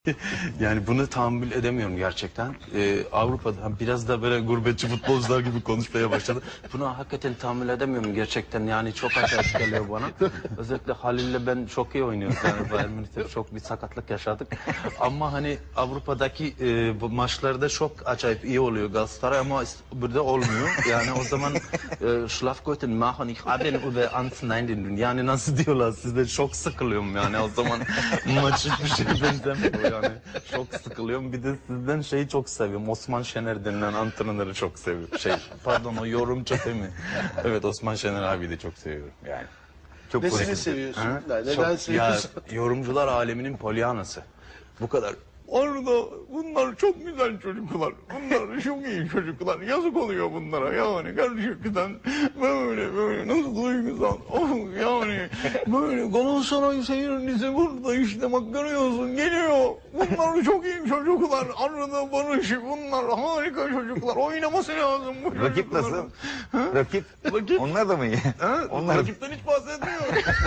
Yani bunu tahammül edemiyorum gerçekten. Avrupa'da biraz da böyle gurbetçi futbolcular gibi konuşmaya başladı. Bunu hakikaten tahammül edemiyorum gerçekten. Yani çok acayip geliyor bana. Özellikle Halil'le ben çok iyi oynuyoruz. Yani Bayern Münih'te çok bir sakatlık yaşadık. Ama hani Avrupa'daki bu maçlarda çok acayip iyi oluyor Galatasaray ama burada olmuyor. Yani o zaman Schlafgoten machen ich haben über ans nein. Yani nasıl diyorlar sizde çok sıkılıyorum yani o zaman maç hiçbir şey benzemiyor. Yani çok sıkılıyorum. Bir de sizden şeyi çok seviyorum. Osman Şener denilen antrenörü çok seviyorum. Pardon o yorumcu değil mi? Evet Osman Şener abi de çok seviyorum yani. Çok Nesini pozitif. seviyorsun? Ha? Neden Çok- seviyorsun? Ya, yorumcular aleminin polyanası. Bu kadar. Orada bunlar çok güzel çocuklar. Bunlar çok iyi çocuklar. Yazık oluyor bunlara yani. Gerçekten böyle nasıl duygusal. Of yani böyle Galatasaray seyircisi burada işte bak görüyorsun geliyor. Bunlar çok iyi çocuklar. Arada Barış bunlar harika çocuklar. Oynaması lazım bu çocukların. Rakip nasıl? Ha? Rakip. Rakip. Onlar da mı iyi? Ha? Onlar- Rakipten hiç bahsetmiyor.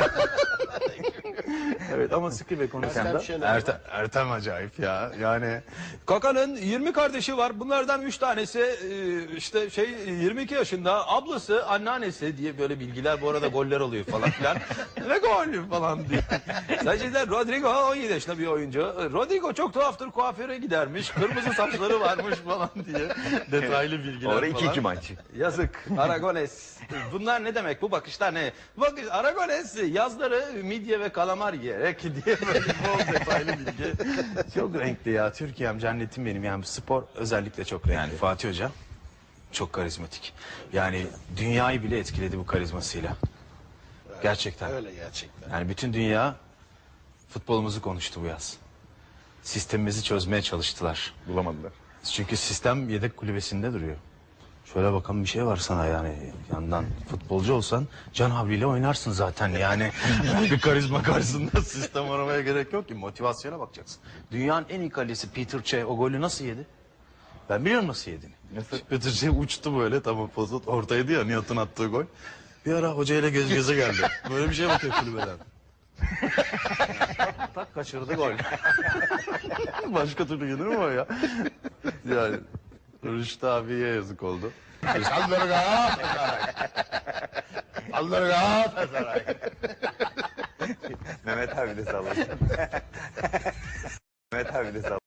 Evet ama sıkı ve konuşan da. Ertem acayip ya. Yani Kaka'nın 20 kardeşi var. Bunlardan 3 tanesi işte 22 yaşında. Ablası, anneannesi diye böyle bilgiler bu arada goller oluyor falan filan. Ve gol falan diye. Sadece Rodrigo 17 yaşında bir oyuncu. Rodrigo çok tuhaftır kuaföre gidermiş. Kırmızı saçları varmış falan diye. Detaylı bilgiler Orada falan. 2-2 maç. Yazık. Aragones. Bunlar ne demek? Bu bakışlar ne? Bakış Aragones yazları midye ve kalamar yiyerek diye böyle bol detaylı bilgi. Çok renkli ya. Türkiye'm cennetim benim. Yani spor özellikle çok renkli. Yani Fatih Hoca çok karizmatik. Yani dünyayı bile etkiledi bu karizmasıyla. Gerçekten. Öyle gerçekten. Yani bütün dünya futbolumuzu konuştu bu yaz. Sistemimizi çözmeye çalıştılar. Bulamadılar. Çünkü sistem yedek kulübesinde duruyor. Şöyle bakan bir şey var sana yani yandan futbolcu olsan can havliyle oynarsın zaten yani. Bir karizma karşısında sistem aramaya gerek yok ki motivasyona bakacaksın. Dünyanın en iyi kalecisi Peter Cech o golü nasıl yedi? Ben biliyorum nasıl yediğini. Nasıl? Peter Cech uçtu böyle tamam pozot ortaydı ya Nihat'ın attığı gol. Bir ara hocayla göz göze geldi. Böyle bir şey bakıyor kulübeden. Tak kaçırdı gol. Başka türlü gelir mi o ya? Yani Rüştü abiye yazık oldu. Saldırı Galatasaray. Saldırı Galatasaray. Mehmet abi de sallasın. Mehmet abi de sallasın.